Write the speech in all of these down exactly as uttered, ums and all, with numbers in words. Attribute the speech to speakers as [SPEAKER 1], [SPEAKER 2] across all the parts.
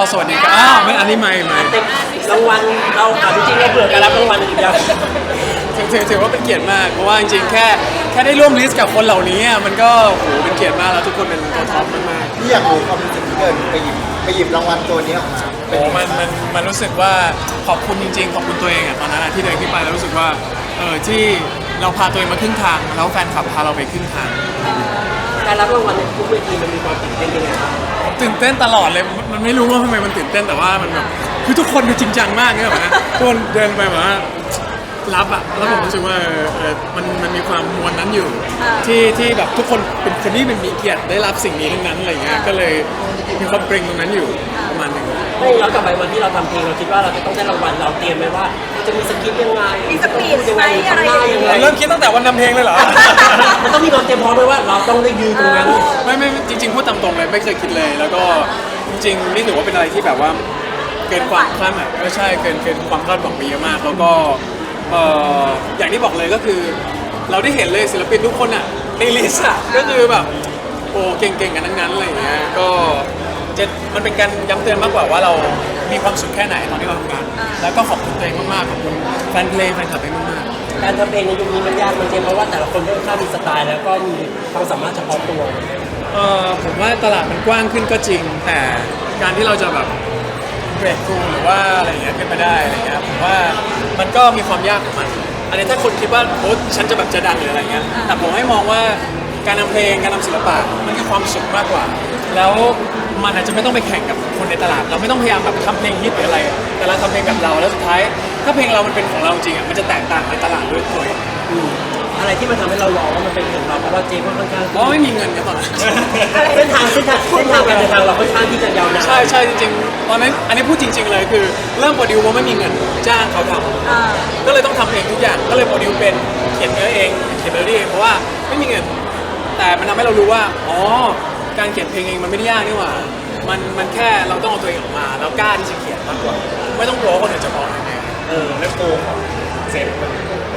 [SPEAKER 1] สวัสดีครับอ้าวไม่อันนี้ไม่ไม่
[SPEAKER 2] รางวัลเราถามจริงๆเราเบื่อการรับรางวัลอีกอย่าง
[SPEAKER 1] ถือถือถือว่าเป็นเกียรติมากเพราะว่าจริงๆแค่แค่ได้ร่วมลิสต์กับคนเหล่านี้มันก็โหเป็นเกียรติมากแล้วทุกคนเป็นตัวท็อปมาก
[SPEAKER 3] ที่อยากรู้ความรู้สึกที่เกิดไปหยิบไปหยิบรางวัลตัวนี้ออกมา
[SPEAKER 1] ๆโอ้มันมันมันรู้สึกว่าขอบคุณจริงๆขอบคุณตัวเองอะตอนนั้นอะที่เดินขึ้นไปแล้วรู้สึกว่าเออที่เราพาตัวเองมาครึ่งทางแล้วแฟนคลับพาเราไปครึ่งทาง
[SPEAKER 2] การรับรางวัลในทุกเวทีมันมีความตื่นเต้นยังไงบ้าง
[SPEAKER 1] ตื่นเต้นตลอดเลยมันไม่รู้ว่าทำไมมันตื่นเต้นแต่ว่ามันแบบคือทุกคนดูจริงจังมากเนี่ยแบบนะทุกคนเดินไปแบบว่ารับอะแล้วผมรู้สึกว่าเออเออมันมันมีความมวลนั้นอยู่ ที่ที่แบบทุกคนเป็นคนที่เป็นมีเกียรติได้รับสิ่งนี้ทั้งนั้นอะไรเงี้ยก็เลยมีความเกรงตรงนั้นอยู่ประมาณหนึง
[SPEAKER 2] ไม่ย้อนกลับไปวันที่เราทำเพลงเราคิดว่าเราจะต้องได้รางวัลเราเตรียมไหมว่าจะมีสคริปต์ยังไง
[SPEAKER 4] มีสปีด
[SPEAKER 2] ยัง
[SPEAKER 4] ไหม
[SPEAKER 2] ไง
[SPEAKER 4] อะไร
[SPEAKER 2] ทำหน้ายังไง
[SPEAKER 1] เริ่มคิดตั้งแต่วันนำเพลงเลยเหรอ
[SPEAKER 2] มันต้องมีความเตรียมพร้อมไหมว่าเราต้องได้ยืนตรงนั้น
[SPEAKER 1] ไม่ไม่จริงๆพูดตามตรงเลยไม่เคยคิดเลย แล้วก็จริงๆนี่ถือว่าเป็นอะไรที่แบบว่าเกินความคาดหมายไม่ใช่เกินเกินความคาดหวังไปเยอะมาก แล้วก็เอ่ออย่างที่บอกเลยก็คือ เราได้เห็นเลยศิลปินทุกคนอ่ะในลิสต์อ่ะก็คือแบบโอ้เก่งๆกันทั้งนั้นอะไรอย่างเงี้ยก็จะมันเป็นการย้ำเตือนมากกว่าว่าเรามีความสุขแค่ไหนตอนที่เราทำงานแล้วก็ขอบคุณตัวเองมากๆขอบคุณแฟนเพลงแฟนคลับเองมากๆ
[SPEAKER 2] การทำเพลงในยุคนี้มันยากมันเจมเพราะว่าแต่ละคนค่อนข้างมีสไตล์แล้วก็มีความสามารถเฉพาะตัว
[SPEAKER 1] เออผมว่าตลาดมันกว้างขึ้นก็จริง แต่การที่เราจะแบบเบรกทูหรือว่าอะไรอย่างเงี้ยขึ้นมาได้อะไรเงี้ยผมว่ามันก็มีความยากของมัน อันนี้ถ้าคนคิดว่าโอ้ฉันจะแบบจะดังหรืออะไรเงี้ยแต่ผมให้มองว่าการทำเพลงการทำศิลปะมันคือความสุขมากกว่า แล้วมันอาจจะไม่ต้องไปแข่งกับคนในตลาด เราไม่ต้องพยายามแบบทำเพลงฮิตหรืออะไร แต่เราทำเพลงแบบเราแล้วสุดท้าย ถ้าเพลงเรามันเป็นของเราจริงอ่ะมันจะแตกต่างในตลาดด้วยตัวเอง
[SPEAKER 2] อืมอะไรที่มันทำให้เราลองว่ามันเป็นของเราเพราะว่าเจมก็ค่อนข้าง
[SPEAKER 1] เพราะไม่มีเงินกันตอนนั้น
[SPEAKER 2] เส้นทางเส้นทางเส้นทางการเดินทางเราค่อนข้างที่จะยาวนาน
[SPEAKER 1] ใช่ใช่จริงๆตอนนั้นอันนี้พูดจริง ๆ เลยคือเริ่มโปรดิวเพราะไม่มีเงินจ้างเขาทำก็เลยต้องทำเองทุกอย่างก็เลยโปรดิวเป็นเขียนเนื้อเองเขียนเมโลดี้เองเพราะว่าไม่มีเงิน แต่มันทำให้เรารู้ว่าอ๋อการเขียนเพลงเองมันไม่ได้ยากนี่หว่ามันมันแค่เราต้องเอาตัวเองออกมาแล้วกล้าที่จะเขียนมากกว่าไม่ต้องกลัวว่าคนอื่นจะมองยังไง
[SPEAKER 2] เออแล้วโกของเซฟมัน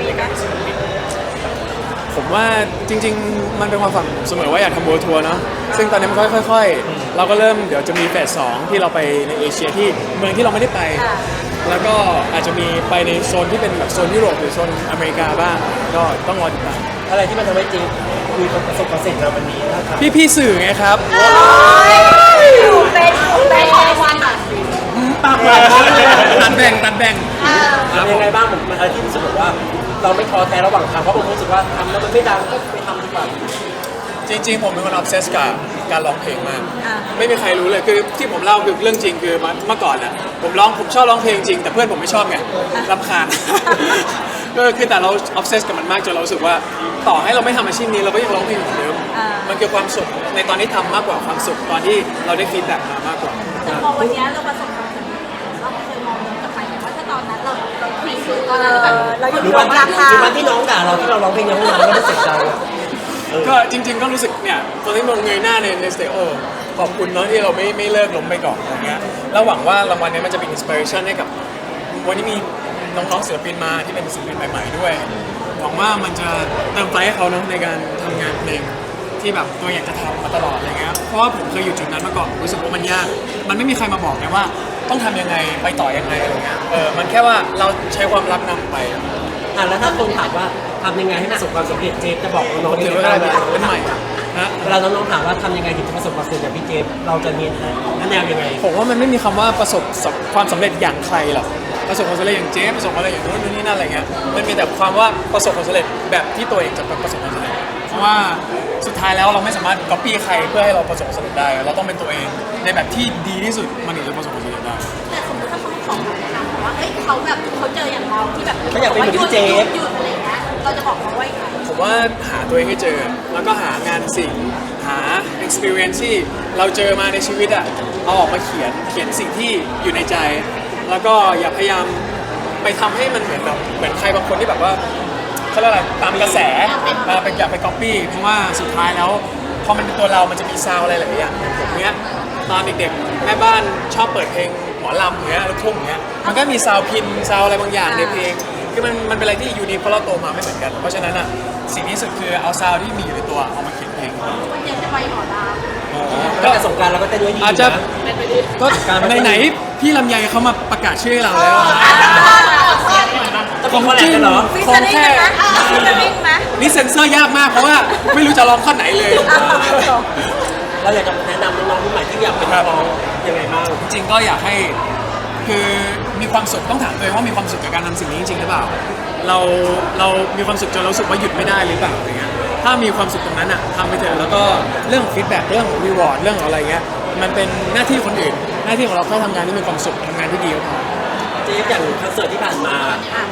[SPEAKER 1] ผมว่าจริงๆ มันเป็นความฝันผมเสมอว่าอยากทำบัวทัวร์เนาะซึ่งตอนนี้มันค่อยๆ เราก็เริ่มเดี๋ยวจะมีเฟสสองที่เราไปในเอเชียที่เมืองที่เราไม่ได้ไป แล้วก็อาจจะมีไปในโซนที่เป็นแบบโซนยุโรปหรือโซนอเมริกาบ้างก็ต้องรอติดตาม
[SPEAKER 2] อะไรที่มันทำให้เจมมีประสบความสำเร็จในวันนี้นะครับ
[SPEAKER 1] พี่ๆสื่อไงครับ
[SPEAKER 4] อยู่เป็นอยู่เป็นรางวัลอ่ะ
[SPEAKER 2] ปากหวานมากเลย
[SPEAKER 1] ตัดแบ่งตัดแบ่ง
[SPEAKER 2] ทำยังไงบ้างผมมันอะไรที่รู้สึกแบบว่า เราไม่ท้อแท้ระหว่างทางเพราะผมรู้สึกว่าทำแล้วมันไม่ดังก็ไปทำดีกว่า
[SPEAKER 1] จริงๆ ผมเป็นคนออฟเซสกับการร้องเพลงมาก ไม่มีใครรู้เลยคือที่ผมเล่าคือเรื่องจริงคือเมื่อก่อนน่ะผมร้องผมชอบร้องเพลงจริงแต่เพื่อนผมไม่ชอบไงรำคาญ ก็คือแต่เราออฟเซสกับมันมากจนเรารู้สึกว่าต่อให้เราไม่ทำอาชีพนี้เราก็ยังร้องเพลงเหมือนเดิมมันคือความสุขในตอนที่ทำมากกว่าความสุขตอนที่เราได้ฟีดแบ็กมามากกว่า
[SPEAKER 4] แต่พอวันนี้เราประสบความสำเร็จเราเคยมองย้อนกลับไปไหมว่าถ้าตอนนั้นเราเราคุยคือตอนนั้นแบบเราอยู่
[SPEAKER 2] หรือ
[SPEAKER 4] ตร
[SPEAKER 2] วัน
[SPEAKER 4] ง
[SPEAKER 2] ที่
[SPEAKER 4] ราคา
[SPEAKER 2] หรือวันที่น้องด่าเราที่เราร้องเพลงในห้องน้ำแล้วไม่เสร็จใจ
[SPEAKER 1] ก็จริงๆก็รู้สึกเนี่ยตอนที่มองเงยหน้าในในสเตโอขอบคุณเนาะที่เราไม่ไม่เลิกล้มไปก่อนอะไรเงี้ยแล้วหวังว่ารางวัลนี้มันจะเป็นอินสปิเรชันให้กับวันนี้มีน้องๆศิลปินมาที่เป็นศิลปินใหม่ๆด้วยหวังว่ามันจะเติมไฟให้เขาเนาะในการทำงานเพลงที่แบบตัวอยากจะทำมาตลอดอะไรเงี้ยเพราะว่าผมเคยอยู่จุดนั้นมาก่อนรู้สึกว่ามันยากมันไม่มีใครมาบอกไงว่าต้องทำยังไงไปต่อยังไงอะไรเงี้ยเออมันแค่ว่าเราใช้ความรักนำไป
[SPEAKER 2] อ่ะแล้วถ้าคนถามว่าทำยังไงให้ประสบความสำเร็จเจฟจะบอกน้องๆ
[SPEAKER 1] ถื
[SPEAKER 2] ยั
[SPEAKER 1] อง ว่า
[SPEAKER 2] ไง
[SPEAKER 1] เป็น
[SPEAKER 2] บ้าง
[SPEAKER 1] เป็นใหม่นะ
[SPEAKER 2] เวลาน้องๆถามว่าทำยังไงถึงจะประสบความสำเร็จอย่างพี่เจฟเราจะมีแนวยังไง
[SPEAKER 1] ผมว่ามันไม่มีคำว่าประสบความสำเร็จอย่างใครหรอกประสบความสำเร็จอย่างเจ๊ประสบความสำเร็จอย่างนู้นนี่นั่นอะไรเงี้ยมันมีแต่ความว่าประสบความสำเร็จแบบที่ตัวเองจะประสบความสำเร็จเพราะว่าสุดท้ายแล้วเราไม่สามารถก๊อปปี้ใครเพื่อให้เราประสบความสำเร็จได้เราต้องเป็นตัวเองในแบบที่ดีที่สุดมันถึงจะประสบความสำเร็จได้
[SPEAKER 4] แต่สมมติถ้าเขาของเราถามว่าเอ้ยเขาแบบเขาเจออย่างเราที่แบบ
[SPEAKER 2] เขาอยากเป็นเหมือนพี่เจฟ
[SPEAKER 4] หยุดอะไรเงี้ยเราจะบอกเขาว่าอย่างไร
[SPEAKER 1] ผมว่าหาตัวเองให้เจอแล้วก็หางานสิ่งหา experience ที่เราเจอมาในชีวิตอะเอาออกมาเขียนเขียนสิ่งที่อยู่ในใจ แล้วก็อย่าพยายามไปทำให้มันเหมือนแบบเหมือนใครบางคนที่แบบว่าเขาเรียกอะไรตามกระแสเอ่อไปอย่าไป copy เพราะว่าสุดท้ายแล้วพอมันเป็นตัวเรามันจะมีซาวอะไรหลายอย่างอย่างผมเนี้ยตอนเด็กๆแม่บ้านชอบเปิดเพลงหมอลำอย่างเงี้ยลูกทุ่งอย่างเงี้ยมันก็มีซาวพินซาวอะไรบางอย่างในเพลงคือมันมันเป็นอะไรที่ยูนิคเพราะเราโตมาไม่เหมือนกันเพราะฉะนั้นอ่ะสิ่งที่สุดคือเอาซาวที่มีอยู่ในตัวเอามาเขียนเพลง
[SPEAKER 4] วันนี้จะไปหมอลา
[SPEAKER 1] โอ้
[SPEAKER 2] ก็แต่สงกรารเราก็เต้นไว้ดี
[SPEAKER 1] อาจจะ
[SPEAKER 2] นะ
[SPEAKER 1] ก็ไหนๆพี่ลำไยเขามาประกาศชื่อให้เราแล้ว
[SPEAKER 2] ต้องมีคอลแลบกันเหรอ
[SPEAKER 4] ฟิชเชอร์ริงกันไหมฟิชเชอร์ริงไหม
[SPEAKER 1] นี่เซ็นเซอร์ยากมากเพราะว่าไม่รู้จะร้องข้อไหนเลย
[SPEAKER 2] เราอยากจะแนะนำน้องๆรุ่นใหม่ที่อยากเป็นนักร้องยังไงบ้าง
[SPEAKER 1] จริงๆก็อยากให้คือมีความสุขต้องถามตัวเองว่ามีความสุขกับการทำสิ่งนี้จริงๆหรือเปล่าเราเรามีความสุขจนเรารู้สึกว่าหยุดไม่ได้หรือเปล่าอะไรเงี้ยถ้ามีความสุขตรงนั้นอ่ะทำไปเถอะแล้วก็เรื่องฟีดแบ็กเรื่องรีวอร์ดเรื่องอะไรเงี้ยมันเป็นหน้าที่คนอื่นหน้าที่ของเราแค่ทำงานที่มีความสุขทำงานที่ดีก็พอ
[SPEAKER 2] เจ๊อย่างคอนเสิร์ตที่ผ่านมา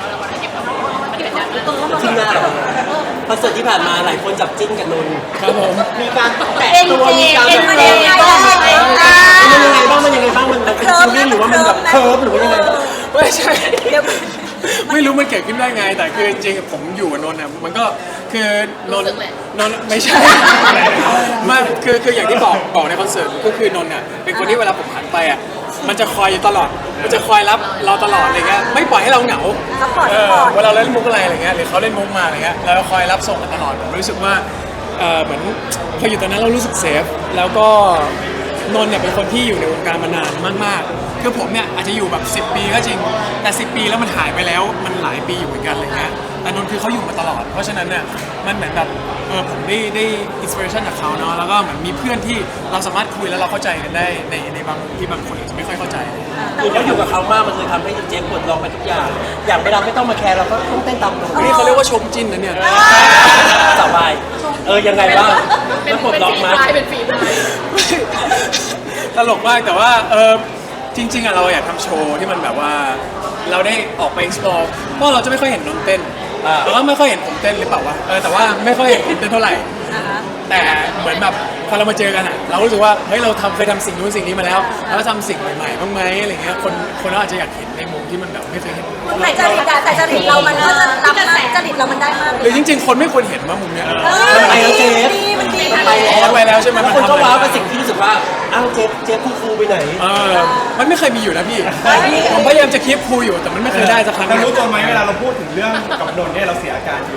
[SPEAKER 2] ที่หน้าเหรอคอนเสิร์ตที่ผ่านมาหลายคนจับจิ้นกับนนท์
[SPEAKER 1] ครับผม
[SPEAKER 2] มีการแตะ
[SPEAKER 4] เอ็น
[SPEAKER 2] ตัว
[SPEAKER 4] เจ
[SPEAKER 2] มีการ
[SPEAKER 4] เอ็น
[SPEAKER 2] แบบ
[SPEAKER 4] เจ
[SPEAKER 2] มันยังไงบ้างมันยังไงบ้างมันเป็นฟิลลิ่งหรือว่ามันแบบเคิร์ฟหรือว่ายังไง
[SPEAKER 1] ไม่ใช่
[SPEAKER 4] เดี๋ยว
[SPEAKER 1] ไม่รู้มันเกิดขึ้นได้ไง แต่คือจริงๆผมอยู่กับนนท์อ่ะมันก็คือนนท์นนท์ไม่ใช่ ไมาคือคืออย่างที่บอกบอกในคอนเสิร์ตก็คือนนท์อ่ะเป็นคนที่เวลาผมหันไปอ่ะมันจะคอยอยู่ตลอด มันจะคอยรับเราตลอดอะไรเงี้ยไม่ปล่อยให้เราเหงา
[SPEAKER 4] ซัพพอร์ต
[SPEAKER 1] เอ
[SPEAKER 4] ซัพ
[SPEAKER 1] อ
[SPEAKER 4] พอร์ต
[SPEAKER 1] เวลาเราเล่นมุกอะไรอะไรเงี้ยหรือเขาเล่นมุกมาอะไรเงี้ยเราคอยรับส่งกันตลอดผมรู้สึกว่าเออเหมือนพออยู่ตรงนั้นเรารู้สึกเซฟแล้วก็นนท์เนี่ยเป็นคนที่อยู่ในวงการมานานมากๆคือผมเนี่ยอาจจะอยู่แบบสิบปีก็จริงแต่สิบปีแล้วมันหายไปแล้วมันหลายปีอยู่เหมือนกันอะไรเงี้ยแต่นนท์คือเขาอยู่มาตลอด เพราะฉะนั้นเนี่ยมันเหมือนแบบเออผมได้ได้อินสปิเรชันจากเขาเนาะแล้วก็เหมือนมีเพื่อนที่เราสามารถคุยแล้วเราเข้าใจกันได้ในในบางที่บางคนอาจจะไม่ค่อยเข้าใจ
[SPEAKER 2] คือแล้วอยู่กับเขามากมันเลยทำให้เจ๊ปลดล็อกไปทุกอย่าง อย่างเวลาไม่ต้องมาแคร์เราก็ต้องเต้นตามนนท์
[SPEAKER 1] นี่เขาเรียกว่าชมจิ้นนะเนี่ย
[SPEAKER 2] สบายเออยังไงบ้างแล้วปลดล็อกมา
[SPEAKER 1] ตลกมากแต่ว่าเออจริงๆอ่ะเราอยากทำโชว์ที่มันแบบว่าเราได้ออกไป explore เพราะเราจะไม่ค่อยเห็นนนท์เต้นแล้วก็ไม่ค่อยเห็นผมเต้นหรือเปล่าวะเออแต่ว่าไม่ค่อยเห็นผมเต้นเท่าไหร่ แต่เหมือนแบบพอเรามาเจอกันอ่ะเรารู้สึกว่าเฮ้ยเราทำเคยทำสิ่งนู้นสิ่งนี้มาแล้วแล้วทำสิ่งใหม่ๆบ้างไหมอะไรเงี้ยคนคนเราอาจจะอยากเห็นในมุมที่มันแบบไม่เคยเห็น
[SPEAKER 4] แต่จริตแต่จริตเรามันก็จะรับมากจริตเรามันได้มาก
[SPEAKER 1] หรือจริงๆ คนไม่ควรเห็นว่ามุมเนี้ย
[SPEAKER 2] ไปแล้วเจ๊
[SPEAKER 4] ดีมันดี
[SPEAKER 2] ไป
[SPEAKER 1] พอไปแล้วใช่ไหม
[SPEAKER 2] แล้วคนก็ว้าวกับสิ่งที่รู้สึกว่าอ้าวเจ๊เจ๊คูคูไปไหน
[SPEAKER 1] เออมันไม่เคยมีอยู่นะพี่ผมพยายามจะคีปคูลอยู่แต่มันไม่เคยได้สักครั้ง
[SPEAKER 5] เรารู้ตัวไหมเวลาเราพูดถึงเรื่องกับนนท์เนี่ยเราเสียอาการอยู่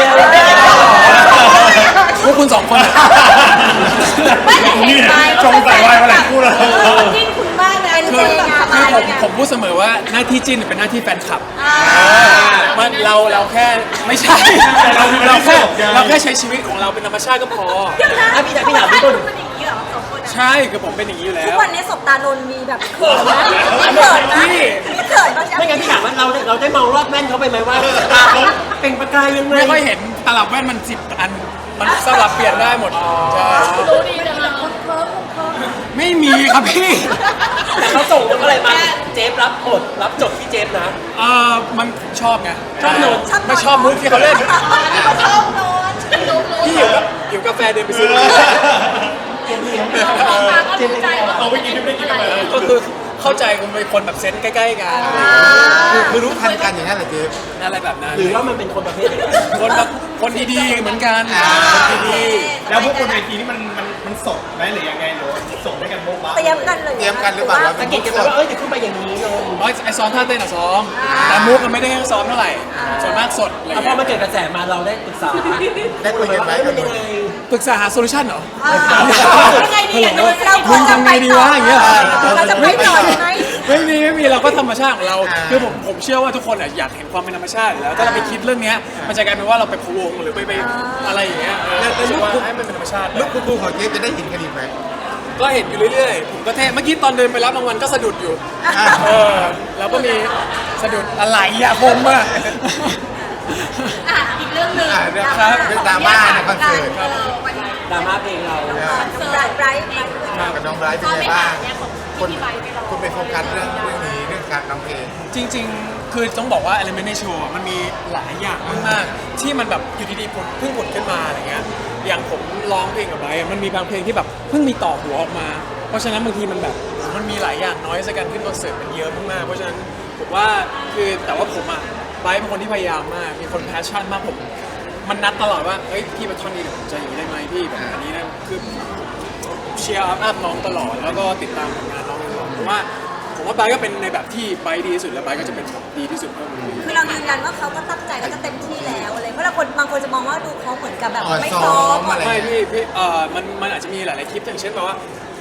[SPEAKER 1] พวกคุณสองคนอะ
[SPEAKER 4] ไม่แต่เห็นไหม
[SPEAKER 5] ชงใส่ไวน์มาหลายคู่แล้ว
[SPEAKER 4] จิ้นคุณบ้างเป็น
[SPEAKER 1] คื
[SPEAKER 4] เจ
[SPEAKER 1] อง
[SPEAKER 4] งาน
[SPEAKER 1] คือผม
[SPEAKER 4] เนี่ย
[SPEAKER 1] ผมพูดเสมอว่าหน้าที่จิ้นเป็นหน้าที่แฟนคลับมันเราเราแค่ไม่ใช่เราเราแค่เราแค่ใช้ชีวิตของเราเป็นธรรมชาติก็พอ
[SPEAKER 2] อ่ะพี่ถามพี่ถามพี่ต้น
[SPEAKER 4] มันอย่างนี้เหรอสองคน
[SPEAKER 1] ใช่คือผมเป็นอย่างนี้อยู่แล้
[SPEAKER 4] ทุก
[SPEAKER 1] ว
[SPEAKER 4] วันนี้สบตานนมีแบบเขินนะมีเขินนะมีเขินบ้าง
[SPEAKER 2] ไม่งั้นพี่ถามว่าเราได้เราได้มองรอบแว่นเขาไปไหมว่าตาเขาเป็นประกายยังไง
[SPEAKER 1] ไม่ค่อยเห็นตลับแว่นมันสิบอันมันสลับเปลี่ยนได้หมดใช่
[SPEAKER 4] รู้ดีจังเลยคนเคิร์ฟคนเคิร์ฟ
[SPEAKER 1] ไม่มีครับพี่
[SPEAKER 2] แต่เขาส่งอะไรมาเจฟรับบทรับจบที่เจฟนะ
[SPEAKER 1] เออมันชอบไง
[SPEAKER 2] ชอบนนท์
[SPEAKER 1] ไม่ชอบมุกที่เขาเล่น
[SPEAKER 4] ชอบนน
[SPEAKER 1] พี่หิวกับหิวกาแฟเดินไปซื้อ
[SPEAKER 2] เจฟเลี้ยง
[SPEAKER 4] เจฟใจว่า
[SPEAKER 5] เอาไปกินไม่ได้กินอะไร
[SPEAKER 1] ก็คือเข้าใจคุณเป็นคนแบบเซนส์ใกล้ๆกัน
[SPEAKER 3] คือรู้ทันกันอย่างนั้นเหรอเจ๊
[SPEAKER 1] อะไรแบบนั้น
[SPEAKER 2] หรือว่ามันเป็นคนประเภทไหน
[SPEAKER 1] คนแบบคนดีๆเหมือนกันคนดี
[SPEAKER 5] แล้วพวกคนเวทีนี่มันมันมันสดไหมหรือยังไงหรือส่งให้กันโบ๊ะบ้า
[SPEAKER 4] เตรียมกันเลย
[SPEAKER 3] เตรียมกันหรือเปล่าว่า
[SPEAKER 2] สังเกตกันไหมว่าเอ้ยเดี๋ยวขึ้นไปอย่างนี้นนท์
[SPEAKER 1] ๆร้อยไอซ้อมท่าเต้นอะซ้อมแต่มุกมันไม่ได้ซ้อมเท่าไหร่ส่วนมากสดอะไร
[SPEAKER 2] เอาพอ
[SPEAKER 1] เงี้ย
[SPEAKER 2] มันเกิดกระแสมาเราได้ปรึกษา
[SPEAKER 3] ได้คุยกันไหม
[SPEAKER 2] ว่าเอ้ย
[SPEAKER 3] กั
[SPEAKER 2] มัน น
[SPEAKER 3] น
[SPEAKER 2] ยังไง
[SPEAKER 1] ปรึกษาหาโซลูชันเหรอ
[SPEAKER 4] ยังไงดีอย่างนนเรา
[SPEAKER 1] มึงทำไงดีวะอย่างเงี้ยเหรอ
[SPEAKER 4] เราจะไปต่อยังไง
[SPEAKER 1] ไม่มีไม่มีเราก็ธรรมชาติของเราคือผมผมเชื่อว่าทุกคนอะอยากเห็นความเป็นธรรมชาติอยู่แล้วถ้าเราไปคิดเรื่องเนี้ยมันจะกลายเป็นว่าเราไปพะวงหรือไปไปอะไรอย่างเงี้ยเออรู้สึกว่าให้มันเป็นธรรมชาติ
[SPEAKER 3] ลูกคุณครูของเจ๊จะได้เห็นกันอีกไหม
[SPEAKER 1] ก็เห็นอยู่เรื่อยๆ ผมก็เท่เมื่อกี้ตอนเดินไปรับรางวัลก็สะดุดอยู่ เออ แล้วก็มีสะดุดอะไรอะผมอะ
[SPEAKER 4] อ่ะอีกเรื่องหนึ่ง
[SPEAKER 3] อ่าเรื่องครับเรื่องดราม่าในคอนเสิร์ต
[SPEAKER 4] วันนี้
[SPEAKER 2] ดราม่าเพลงเรา
[SPEAKER 4] คอนเสิร์ตไบรท์ไบรท์
[SPEAKER 3] กับน้องไบรท์เป็นไงบ้างคนคุณไปโฟกัสเรื่องเรื่องนี้เรื่องการร้องเพลง
[SPEAKER 1] จริงๆ คือต้องบอกว่า Element ในโชว์อะมันมีหลายอย่างมากๆ ที่มันแบบอยู่ดีๆผุดเพิ่งผุดขึ้นมาอะไรเงี้ย อย่างผมร้องเพลงกับไบรท์อะมันมีบางเพลงที่แบบเพิ่งมีต่อหัวออกมา เพราะฉะนั้นบางทีมันแบบมันมีหลายอย่างน้อยสักการขึ้นคอนเสิร์ตมันเยอะมากๆ เพราะฉะนั้นผมว่าคือแต่ว่าผมอะไบรท์เป็นคนที่พยายามมาก มีคนแพชชั่นมากผม มันนัดตลอดว่า เฮ้ยพี่มาท่อนนี้เดี๋ยวผมจะอย่างนี้ได้ไหมพี่แบบอันนี้นะคือเชียร์อัพน้องตลอด แล้วก็ติดตามผลงานน้องตลอดผมว่าผมว่าไบร์ทก็เป็นในแบบที่ไบร์ทดีที่สุดแล้วไบร์ทก็จะเป็นแบบดีที่สุดเพิ่มขึ้น
[SPEAKER 4] คือเรายืนยันว่าเขาก็ตั้งใจแล้วก็เต็มที่แล้วอะไรเพราะเราคนบางคนจะมองว่าดูเขาเหมือนกับแบบ
[SPEAKER 3] อ่อน
[SPEAKER 4] ไม่
[SPEAKER 3] ซ้
[SPEAKER 4] ซ้
[SPEAKER 3] อ
[SPEAKER 4] อ
[SPEAKER 3] ม
[SPEAKER 4] ม
[SPEAKER 3] อะไร
[SPEAKER 1] ไม่พี่พี่เอ่อมันมันอาจจะมีหลายๆคลิปอย่างเช่นแบบว่า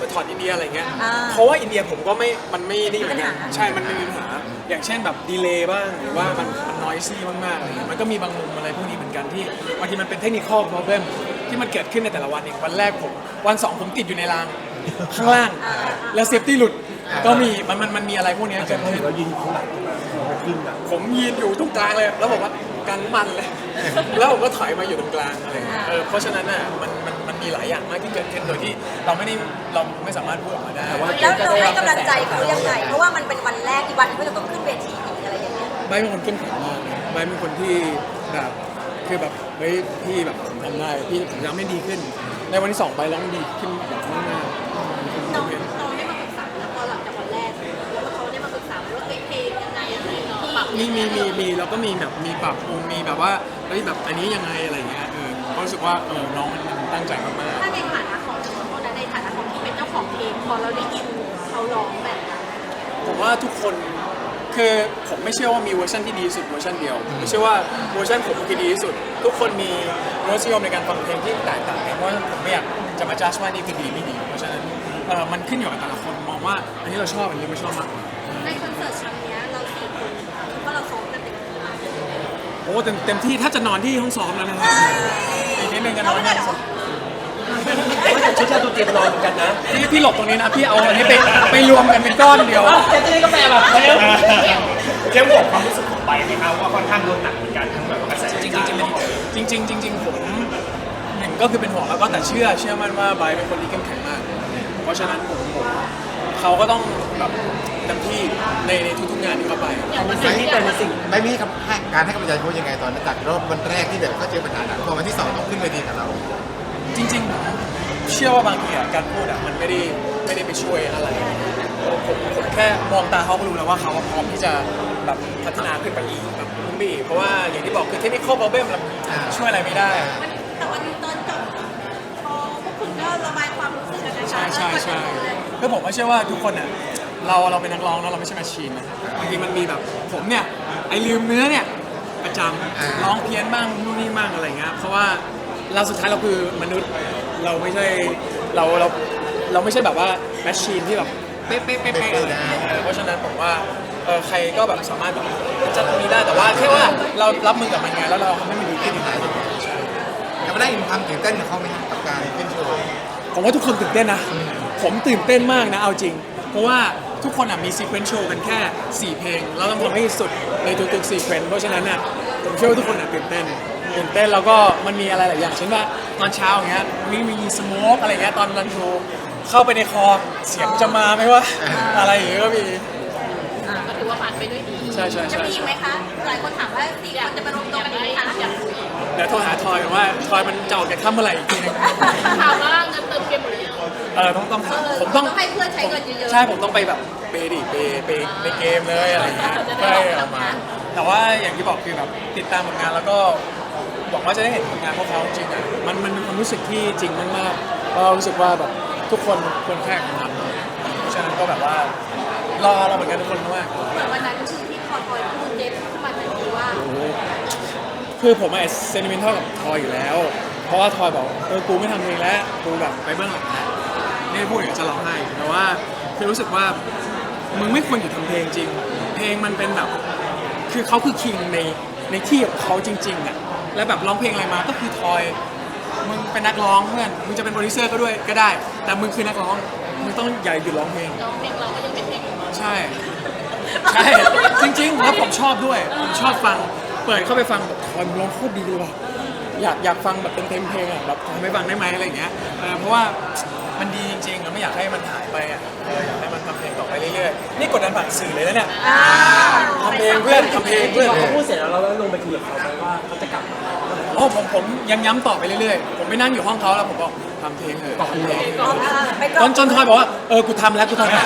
[SPEAKER 1] ถอดอินเดียอะไรเงี้ย
[SPEAKER 4] อ่า
[SPEAKER 1] เพราะว่าอินเดียผมก็ไม่มันไม่นี่เหมือนกัน
[SPEAKER 4] มีปัญหา
[SPEAKER 1] ใช่มันไม่มีปัญหาอย่างเช่นแบบดีเลย์บ้างหรือว่ามันมันนอยซี่มากๆอะไรเงี้ยมันก็มีบางมุมอะไรพวกนี้เหมือนกันที่บางทีมันเป็นเทคนิคอล problem ที่มันเกิดขึ้นในแต่ละวันเองวันแรกผมวันสองผมติดอยู่ในรางข้างล่าง แล้วเซฟตี้หลุดก็มีมันมันมันมีอะไรพวกนี้เกิดขึ้น
[SPEAKER 2] เรายืนอยู่ข้างหลังเราขึ้นอ่ะ
[SPEAKER 1] ผมยืนอยู่ตรงกลางเลย แล้วบอกว่ากันมันเลย แล้วผมก็ถอยมาอยู่ตรงกลางอะไรอย่างเงี้ยเออเพราะฉะนั้นน่ะมันมันมันมีหลายอย่างมากที่เกิดขึ้นโดยที่เราไม่ได้เราไม่สามารถพูดออกมาได้
[SPEAKER 2] แต่ว่า
[SPEAKER 4] แล้วเราให้กำลังใจเขายังไง เพราะว่ามันเป็นวันแรกอีกวันเขาจะต้องขึ้นเวทีอีกอะไรอย่างเงี้ย
[SPEAKER 1] ไบร์ทเป็นคนเข้มแข็งมากนะไบร์ทเป็นคนที่แบบคือแบบเฮ้ยพี่แบบผมทำได้พี่ผมยังไม่ดีขึ้น ในวันที่สองไปร้องดีขึ้นแบบมาก
[SPEAKER 4] น้องน้องได้มาปรึกษาแล้วพอหลังจากวันแรกแล้วเขาได้มาปรึกษาว่าเอ้ยเพลงยังไงอะไรเนาะปรับ
[SPEAKER 1] ๆมีมีมีมีแล้วก็มีแบบมีปรับปรุงมีแบบว่าเฮ้ยแบบอันนี้ยังไงอะไรอย่างเงี้ยเออก็รู้สึกว่าเออน้องมันตั้งใจมากๆ
[SPEAKER 4] ถ้าในฐานะของคนในฐานะของที่เป็นเจ้าของเพลงพอเราได้ยินเขาร้องแบบนั้น
[SPEAKER 1] ผมว่าทุกคนคือผมไม่เชื่อว่ามีเวอร์ชันที่ดีที่สุดเวอร์ชันเดียวผมไม่เชื่อว่าเวอร์ชันผมคือดีที่สุด ทุกคนมีรสนิยมในการฟังเพลงที่แตกต่างกันเพราะฉะนั้นผมไม่อยากจะมาจ้าว่านี่คือดีไม่ดีเพราะฉะนั้นเออมันขึ้นอยู่กับแต่ละคนมองว่าอันนี้เราชอบอันนี้ไม่ชอบมากกว่า
[SPEAKER 4] ในคอนเสิร์ตครั้งเนี้ยเราสี่คนคิดว่าเราซ้อมกันเต็มที่มาก
[SPEAKER 1] โอ้เต็มเต็มที่ถ้าจะนอนที่ห้องซ้อมแล้วนะฮะอีกนิดนึงจะนอนที่ห้องซ้อม
[SPEAKER 2] ชุดเราตัวเตรียมนอนเหมือนกันนะ
[SPEAKER 1] พี่พี่หลบตรงนี้นะพี่เอาอันนี้ไปไปรวมกันเป็นก้อนเดียว
[SPEAKER 2] แต่ที่นี่ก็แปลแบบ
[SPEAKER 5] เข้มบอกความรู้สึกของไปไหมครับว่าค่อนข้างโดนหนักเหมือนกันทั้งแบบว่ากระแส
[SPEAKER 1] จริงจริงจริงจริงจริงๆผมหนึ่งก็คือเป็นห่วงแล้วก็แต่เชื่อเชื่อมั่นว่าไบร์ทเป็นคนที่เข้มแข็งมาก เพราะฉะนั้นผมผมเขาก็ต้องแบบเต็มที่ในในทุกๆงานที่เขาไป
[SPEAKER 2] มีสิ่งที่เป็นสิ่ง
[SPEAKER 3] ไม่มีคำให้การให้กำลังใจเขายังไงตอนนั้นจากรอบวันแรกที่แบบเขาเจอปัญหาหนักพอวันที่สองต้องขึ้นเวทีกับเรา
[SPEAKER 1] จริงๆผมเชื่อว่าบางทีอะการพูดอะมันไม่ได้ไม่ได้ไปช่วยอะไรผมผมแค่มองตาเขาก็รู้แล้วว่าเขาพร้อมที่จะแบบพัฒนาขึ้นไปอีกแบบขึ้นไปอีกเพราะว่าอย่างที่บอกคือเทคนิคอล problem เราช่วยอะไรไม่ได้
[SPEAKER 4] แต่วันนี้ตอนจบพอพวกคุณก็ระบายความรู้สึกกันนะคะ
[SPEAKER 1] ใช่ใช่ใช่คือผมก็เชื่อว่าทุกคนอ่ะเราเราเป็นนักร้องนะเราไม่ใช่แมชชีนนะบางทีมันมีแบบผมเนี่ยไอลืมเนื้อเนี่ยประจำร้องเพี้ยนบ้างนู่นนี่บ้างอะไรเงี้ยเพราะว่าเราสุดท้ายเราคือมนุษย์เราไม่ใช่เราเราเราไม่ใช่แบบว่าแมชชีนที่แบบเป๊ะเป๊ะเป๊ะเป๊ะอะไรเออเพราะฉะนั้นผมว่าเออใครก็แบบสามารถแบบจัดตรงนี้ได้แต่ว่าแค่ว่าเรารับมือกับมันไงแล้วเราทำให้มันดีขึ้น
[SPEAKER 3] ยังไม่ได้มีความตื่นเต้นกับเขาไหมครับกับการขึ้นโชว์
[SPEAKER 1] ผมว่าทุกคนตื่นเต้นนะ ผมตื่นเต้นมากนะ เอาจริง เพราะว่าทุกคนอ่ะมีซีเควนซ์โชว์กันแค่สี่เพลง แล้วต้องทำให้สุดในทุกๆซีเควนซ์เพราะฉะนั้นอ่ะผมเชื่อว่าทุกคนอ่ะตื่นเต้น ตื่นเต้นแล้วก็มันมีอะไรหลายอย่าง เช่นว่าตอนเช้าอย่างเงี้ยมีมีสโมกอะไรเงี้ยตอนรันโชว์เข้าไปในคอเสียงจะมาไหมว่าอะไรอย่างเงี้ยก็มี
[SPEAKER 4] ก็ถือว่าผ่านไปด้วยดี
[SPEAKER 1] ใช่ใช่
[SPEAKER 4] จะ
[SPEAKER 1] ใช่
[SPEAKER 4] มีอีกไหมคะ หลายคนถามว่าสี่คนจะไปรวมตัวกันอีกไหมคะ
[SPEAKER 1] เดี๋ยวโทรหาทอยก่อนว่าทอยมันจะออกจากถ้ำเมื่อไหร่อีกทีนึง
[SPEAKER 4] ถามว่าเงินเติมเกมหมดหรือยัง
[SPEAKER 1] เออต้องต้องถามผมต้อง
[SPEAKER 4] ต้องให้เพื่อนใช้เงินเยอะๆ
[SPEAKER 1] ใช่ผมต้องไปแบบเปย์ดิเปย์เปย์ในเกมเลยอะไรอย่างเงี้ย
[SPEAKER 4] จะได้
[SPEAKER 1] ใช่
[SPEAKER 4] ออกมา
[SPEAKER 1] แต่ว่าอย่างที่บอกคือแบบติดตามผลงานแล้วก็หวังว่าจะได้เห็นผลงานพวกเขาจริงๆอ่ะมันมันเป็นความรู้สึกที่จริงมากๆก็รู้สึกว่าแบบทุกคนควรแค่ทำเพราะฉะนั้นก็แบบว่ารอเราเหมือนกันทุกคนมาก
[SPEAKER 4] เหมือนวันนั้นคือที่คอทอยพูดเด็ดขึ้นมาทันทีว่า
[SPEAKER 1] คือผมอะเซนิเมนทัลกับทอยอยู่แล้ว เพราะว่าทอยบอกเออกูไม่ทำเพลงแล้วกูแบบไปเบื้องหลังแล้วนี่พูดอย่างนี้จะร้องไห้แต่ว่าคือรู้สึกว่ามึงไม่ควรอยู่ทำเพลงจริง เพลงมันเป็นแบบคือเขาคือคิงในในที่ของเขาจริงๆอ่ะแล้วแบบร้องเพลงอะไรมาก็คือทอยมึงเป็นนักร้องเพื่อนมึงจะเป็นโปรดิวเซอร์ก็ด้วยก็ได้ แต่มึงคือนักร้องมึงต้องอย่าหยุดร้องเพลง
[SPEAKER 4] น้องเพลงเราก็ยังเป็นเพลงของเรา
[SPEAKER 1] ใช่ ใช่ จริงๆ แล้วผมชอบด้วย ผมชอบฟัง เปิดเข้าไปฟังแบบทอยมันร้องโคตรดีเลยว่ะอยากอยากฟังแบบเป็นเต็มเพลงอ่ะแบบทำให้ฟังได้ไหมอะไรอย่างเงี้ยเออเพราะว่ามันดีจริงๆเราไม่อยากให้มันหายไปอ่ะเอออยากให้มันทำเพลงต่อไปเรื่อยๆนี่กดดันผ่านสื่อเลยนะเนี่ยทำเพลงเพื่อนทำเพลงเพื่อน
[SPEAKER 2] พอเขาพูดเสร็จแล้วเราลงไปคุยกับเขาไหมว่าเขาจะกลับมา
[SPEAKER 1] โอ้ผมผมยังย้ำต่อไปเรื่อยๆผมไปนั่งอยู่ห้องเขาแล้วผมบอกทำเพลงเถอะทำเพลงจนจนทอยบอกว่าเออกูทำแล้วกูทำแล้ว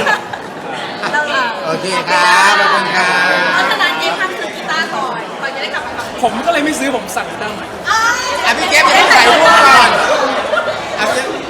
[SPEAKER 3] โอเคครับขอบคุณครับ
[SPEAKER 4] เพราะฉะนั้นเจ๊ทำคือกีตาร์ก่อนก่อนจะได้กลับมาฟัง
[SPEAKER 1] ผมก็เลยไม่ซื้อผมสั่งตั้งใหม่
[SPEAKER 3] อ่ะพี่เก็บยังไม่ใส่พวกก่อนอ่ะพี่